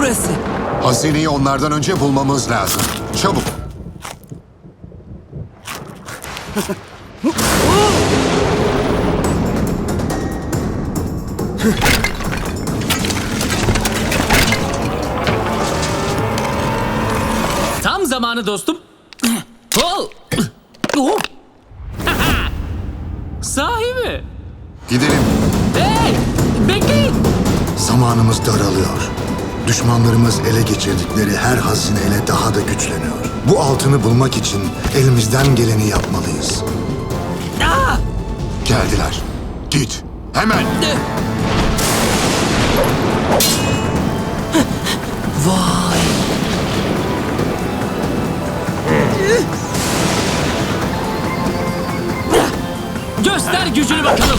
burası. Hazineyi onlardan önce bulmamız lazım. Çabuk. Tam zamanı dostum. Oh! Oh! Sahi mi? Gidelim. Hey! Bekleyin! Zamanımız daralıyor. Düşmanlarımız ele geçirdikleri her hazineyle daha da güçleniyor. Bu altını bulmak için elimizden geleni yapmalıyız. Ah! Geldiler. Git. Hemen. Vay! Göster gücünü bakalım.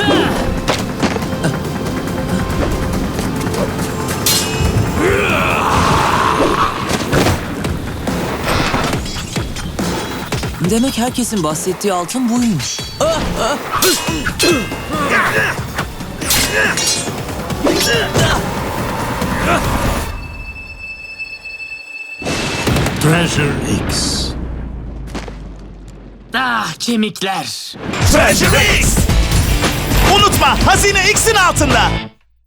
Demek herkesin bahsettiği altın buymuş. Treasure X. Ah, kemikler. Treasure X! Unutma, hazine X'in altında.